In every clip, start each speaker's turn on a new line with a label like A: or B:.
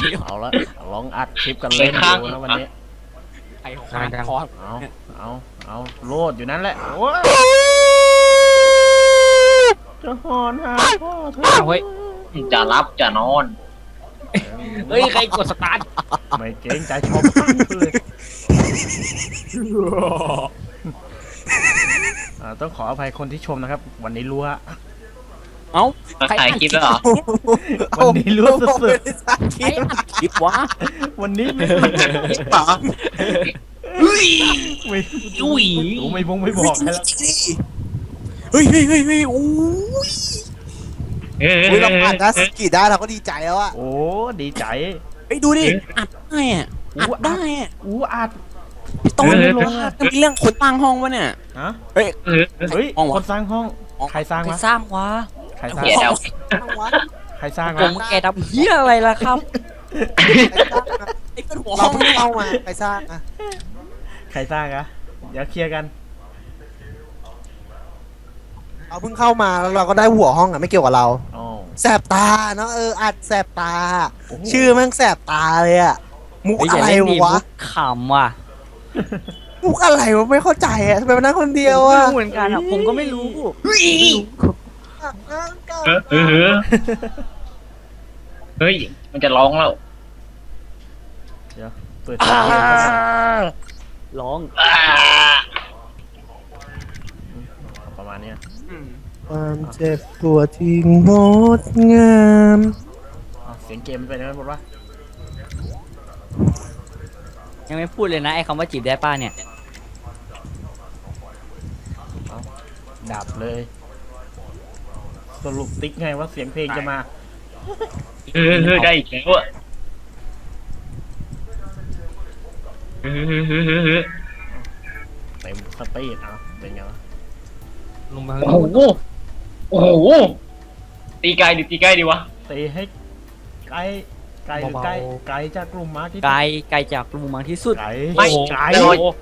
A: เอาละลองอัดคลิปกันเล่นดูนะวันนี้
B: ไอ้ข้างคอ
A: เอาโลดอยู่นั่นแหละโอ้ยจะหอนหาพ่อเธอ
B: เฮ้ย
C: จะรับจะนอน
B: เฮ้ยใครกดสตาร์ท
A: ไม่เกรงใจชาวบ้านเลยต้องขออภัยคนที่ชมนะครับวันนี้รั่ว
B: เอ้า
C: ใครถ่ายคลิปแล้วเหรอ
A: วันนี้รั่วสุด
B: ๆใครอัดคลิปวะ
A: วันนี้ไม่
B: จุ๋ย
A: ไม่บอกให้แล้ว
D: เฮ้ยโอ้ยเราผ่านนะสกีได้เราก็ดีใจแล้วอะ
A: โอ้ดีใจ
D: เฮ้ยดูดิ
B: อัดได้อะอัดได้อะ
A: อัด
B: พี่ต้นจะมีเรื่องคนตั้งห้องวะเนี่ย
A: ฮะ
D: เฮ้ย
A: คนสร้างห้องใครสร้างวะ
B: สร้างวะ
A: ใครสร้างใครสร้าง
B: ผมแกดำเหี้ยอะไรล่ะครับ
D: ไอ้เป็นหัวห้องเข้ามาใครสร้างอะ
A: ใครสร้างอะเดี๋ยวเคลียร์กัน
D: เราเพิ่งเข้ามาแล้วเราก็ได้หัวห้องอะไม่เกี่ยวกับเราแสบตาเนาะอัดแสบตาชื่อแม่งแสบตาเลยอะมุกอะไรวะ
B: ขำว่ะ
D: มุกอะไรวะไม่เข้าใจอะทำไมมันนั่งคนเดียวอะ
B: เหมือนกันอะผมก็ไม่รู้
C: เฮ้ยมันจะร้องแล้ว
A: เดี๋ยวเปิด
B: ร้อง
A: ประมาณนี้
D: ความเจ็บปวดที่งดงาม
A: เสียงเกมมันเป็นยังไงหมดวะ
B: ยังไม่พูดเลยนะไอ้คำว่าจีบได้ป้าเนี่ย
A: ดับเลยสรุปติ๊กไงว่าเสียงเพลงจะมา
C: ได้อีกแล้วอ่ะ
A: เต็มสปีดเป็นไงวะ
C: โอ้โหตีไกลหรือตีใกล้ดีวะ
A: ตีให้ไกลหรือใกล้จากกลุ่มมากที่
B: ไกลจากกลุ่มมากที่สุด
C: ไม่ไกล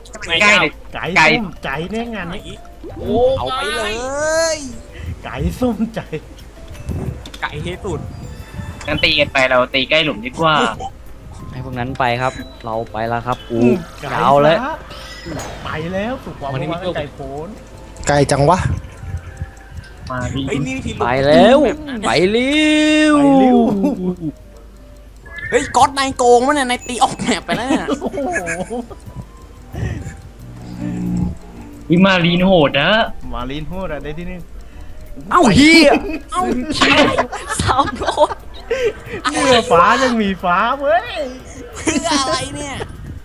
A: ใจแน่งานนี้
D: เอาไปเลย
A: ไก่ส้มใจ
D: ไก่ที่สุด
C: งั้นตีกันไปเราตีใกล้หลุมดีกว่า
B: ให้พวกนั้นไปครับเราไปแล้วครับยาวเลย
A: ไปแล้วสุกว่าวันไก่โผล่
D: ไก่จังวะ
B: ไปแล้วไปเร็ว
D: เฮ้ยก๊อตนายโกงมั้ยเนี่ยนายตีออกแมปไปแล้วเนี่ย
C: วิมารีนโหดนะ
A: มารีนโหดได้ที่นึง
B: เอ้าเฮียเอ้าสาวโดน
A: เนื้อฟ้ายังมีฟ้าเว้ย
D: เพื่ออะไรเนี่ย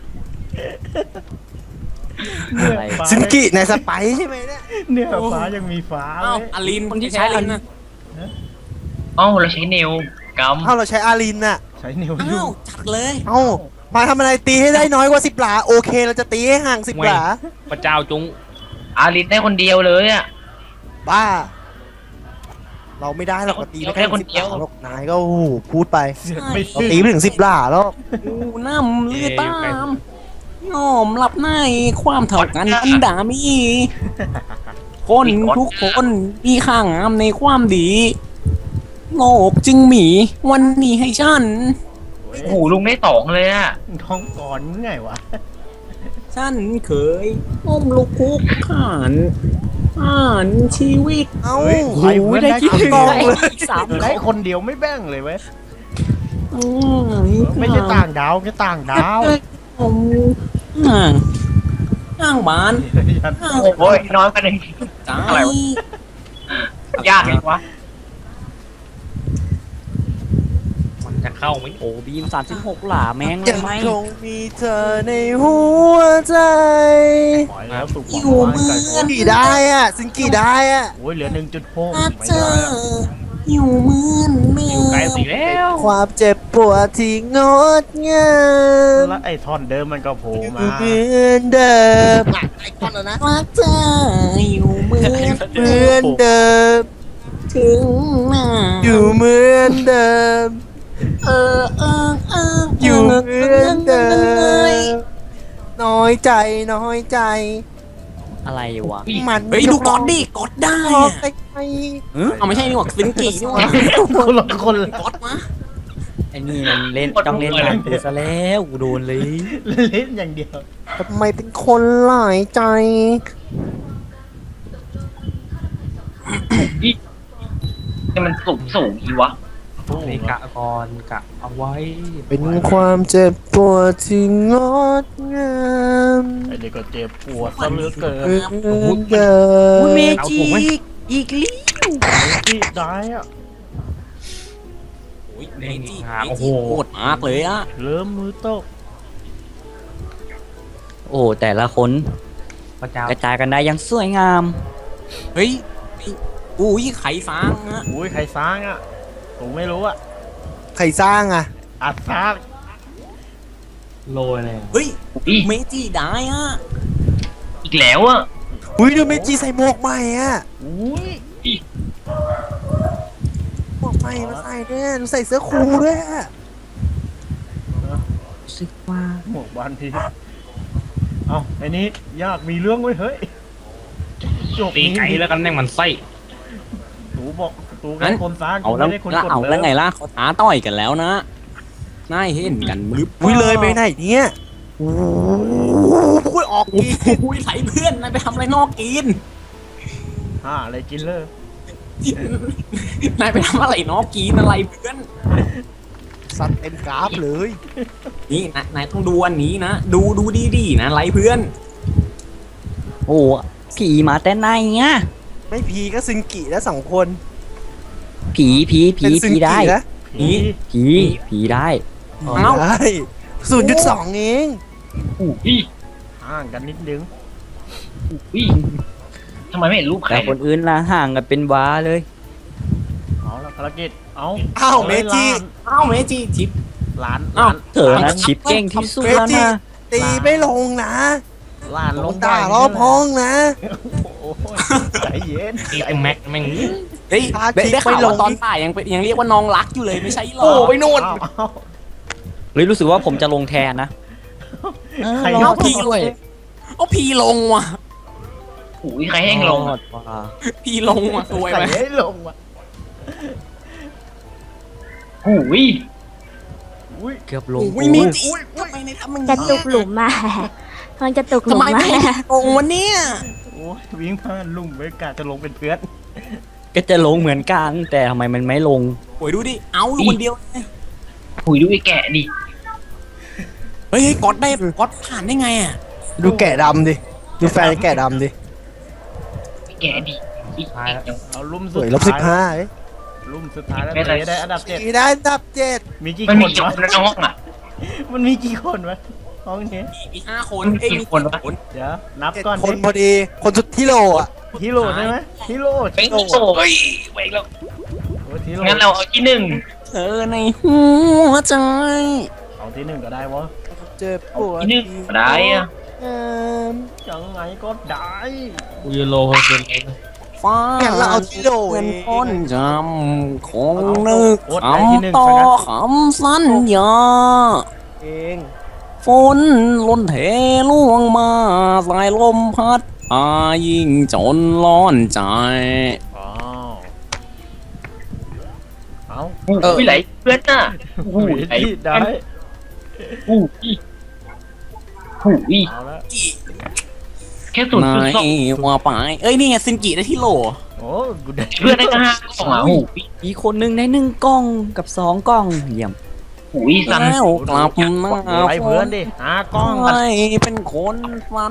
D: ซินกิในสไปใช่ไหมเนี่ย
A: เนื้อฟ้ายังมีฟ้า
D: เอ้าอารินคนที่ใช้อารินนะ
C: เราใช้เนวกัม
D: เราใช้อารินน่ะ
A: ใช้เนวอยู่
D: จัดเลยมาทำอะไรตีให้ได้น้อยกว่า10 หลาโอเคเราจะตีให้ห่าง10 หลา
B: พระเจ้าจง
C: อารินได้คนเดียวเลยอ่ะ
D: บ้าเราไม่ได้เราตีแค่คนเดียวนายก็พูดไปเราตีไม่ถึง10 หลาแล้วน้ำเลือดตามน้อมรับในความเท่ากันอันดามีคนทุกคนมีค่างามในความดีโลกจึงมีวันนี้ให้ฉัน
C: โอ้โหลุงได้2เลยอะ
A: ท้องก่อนไงวะ
D: ฉันเคยอ้มลูกคุกข่านชีวิต
A: ได้คิดถึงได้คนเดียวไม่แบ่งเลยเว้ยไม่ใช่ต่างดาวแค่ต่างดาว
D: ห่างบ้าน
C: โอ้ยน้อยกันเองอะไรวะยากเลยวะ
B: จะเข้าไหมโอ้บีม36 หลาแมงเลยไหม
D: คงมีเธอในหัวใจอยู่มือกี่ได้อ่ะซิงกี่ได้อ่ะ
A: โอ้ยเหลือ 1.6
D: เจออยู่มือแมว
B: ไกลสิแล้ว
D: ความเจ็บปวดที่งดงาม
A: แล้วไอ้ท่อนเดิมมันก็โผล่มา
D: เหมือนเดิมไอ้ท่อนแล้วนะรักเธออยู่เหมือนเดิมถึงหน้าอยู่เหมือนเดิมอยู่เหมือนเดิมน้อยใจ
B: อะไรวะ
D: มันเฮ้ยดูกดดิกดได้เอาไม่ใช่นี่หว่าซินกินี่หว่า
A: คนละ
D: กดมา
B: ไอ้นี่มันเล่นต้องเล่นงานกูซะแล้วกูโดนเลย
A: เล่นอย่างเดียว
D: ทำไมเป็นคนหลายใจ
C: นี่มันสูงอีวะ
B: นี่กะก่อนกะเอาไว้
D: เป็นความเจ็บปวดที่งดงาม
A: ไอ้เด็กก็เจ็บปวดซะเหลือเกิน
D: เกิ
B: อุ้ยเม
D: น
B: จิอีกลิ้ว
A: ที่ได้อะ
B: เมจิโอ้โหโหดมากเลยอะ
A: เริ่มมือตก
B: โอ้แต่ละคนกระจายกันได้อยังสวยงาม เฮ้ยอุ้ยไข่ฟางอะ
A: อุ้ยใครสร้างอ่ะผมไม่รู้อ่ะ
D: ใครสร้างอ่ะ
A: อัดสร้าง
B: โรยเลยเฮ้ย
C: อี
B: เมจิได้อะ
C: อีกแล้วอ่ะ
D: อุ้ยดูเมจิใส่หมวกใหม่อ่ะ
A: อุ้ย
D: หมวกใหม่มาใส่เนี่ยดูใส่เสื้อคลุมด้วยอะ
B: รู้สึกว่า
A: หมวกบานพีเอ้าไอ้นี้ยากมีเรื่องไว้ยเฮ้ยจบ
C: ตีไก่แล้วกันแม่งมันไส้
A: ตูบอกตูกันคนสร้าง
B: เอาแล้ว
A: ไม่ได้คนกด
B: เอา
A: เล
B: แล้วไง
A: ย
B: ล่ะเขาท้าต่อยกันแล้วนะน่าเห็นกันหรือ
D: อุ้ยเลยไปไหนเนี่ยโอ้โหออกอีก
B: อุ้ยไหลเพื่อนนายไปทำอะไรนอกกิน
A: อะไรกินเลย
B: นายไปทำอะไรนอกกินอะไรเพื่อน
D: สัตว์เต็มกราฟเลย
B: นี่นายต้องดูอันนี้นะดูดีๆนะไรเพื่อนโอ้ผีมาแต่ไหนอ่ะ
D: ไม่พีก็ซึงกิแล้วสองคน
B: ผี
D: เป็นซึงกิ
B: ได้
D: นะ
B: ผีได้
D: เอ้าได้0.2เอง
C: อี
A: ห่างกันนิดนึง
C: อีทำไมไม่เห็นรูปใคร
B: แต่คนอื่นละห่างกันเป็นว้าเลย
A: เอาละภารกิจเอา
D: อ้าวเมจิ
B: อ้าวเมจิชิป
A: ล้าน
B: อ้าวเธอนะชิปเก่งที่สุดแล้วนะ
D: ตีไม่ลงนะ
A: ล้านล
D: ล
A: ง
D: งด่ารอบห้องนะ
A: โอ้ยใจเย็น
C: ตีไอ้แม็กแม่ง
B: เฮ้ย
D: พาชิป
B: ได้ข่าว
D: ไม่ลง
B: ว่าตอนตายยังเรียกว่าน้องรักอยู่เลยไม่ใช่หรอ
D: โอ้ไปนู่น
A: เอา
B: เฮ้ยรู้สึกว่าผมจะลงแทนนะ
A: ใคร
B: เอาพี่ด้วยเอาพี่ลงว่ะ
C: หูยใครแห้งลง
B: พี่ลงว่ะสวย
A: ใคร
B: ไหม
A: ให้ลงวะ
C: หูย
A: อุ้ย
B: เกือบลง
A: อุ้ยมีจิ
B: ทำไมในทำมัน
E: จะตกหลุมมา มันจะตกห
B: ทำ
E: ลุม
B: ไม
E: มา
B: ไม่ลงวันเนี้ย
A: โอ้ยวิ่งผ่านลุ่มไว้กะจะลงเป็นเพื่อน
B: ก็จะลงเหมือนกันแต่ทำไมมันไม่ลงโอ้ยดูดิเอาอยู่คนเดียว
C: หูยดูไอ้แกะดิ
B: เฮ้ยก๊อตได้ก๊อตผ่านได้ไงอ่ะ
D: ดูแกะดำดิ ดูแฟนแกะดำดิ
C: ไอ้แกะดิอีก
A: เอาลุ่ม
D: ส
A: สุด
D: วย
A: ท้าย
D: -15
A: ลุ่มสุดท้ายแล้ว
C: ไม่
A: เต
C: ได้
A: ได้อันดับ
D: ตีได้อันดับ7
A: มีกี่
C: มัน
A: ค
C: มี
A: น
C: กี่
A: วะ
C: คนในห้องอ่ะ
A: มันมีกี่คนวะห้องนี้
B: มี5 คน
C: เอ้ยมีกี่คนวะ
A: เดี๋ยวนับก่อน
D: คนพอดี คนสุดที่โหลอ่ะ
A: ฮิโร่ใช่ไหมฮิโร่
C: เฮ้ยโอ้ยเว้ยแล้ว
A: ฮิโร่
C: งั้นเราเอาที่หนึ่ง
B: เธอในหัวใจ
A: เอาที่หนึ่งก็ได้วะ
D: เจ็บปวด
C: ที่หนึ่งก็ได้อ่ะ
A: ยังไงก็ได้
C: กูยูโรคนเดียว
B: ฟ้า
D: งั้นเราเอาที่โหลเอ
B: เป็น
D: ง
B: คนจำคงนึก
A: โอ๊ตได้ที่หนึ่ง
B: คำต่อ
A: ซะงั้น
B: คำสัญญา
D: เอง
B: ฝนล้นเทล่วงมาสายลมพัดอายิ่งจนร้อนใจ
A: อ้าวเอา
C: หูยไหลเพื่อนน่ะหูยไหล
A: ได้
C: หูยหูย
A: เอาละ
C: แค่ศูนย์
B: นา
C: จุด
B: ย
C: สอง
B: ว่าไปเอ้ยนี่ไงซินกิได้ที่โหล
A: โอ้กูได้
C: เพื่อนได้ก็5 กล่องอ่ะหูย
B: อีกคนหนึ่งได้1 กล่องกับ2 กล่องเยี่ยม
C: หูยสัน
B: แล้วกลับมา
A: ไปเพื่อนดิหากล้อง
B: ให้เป็นคนฟัน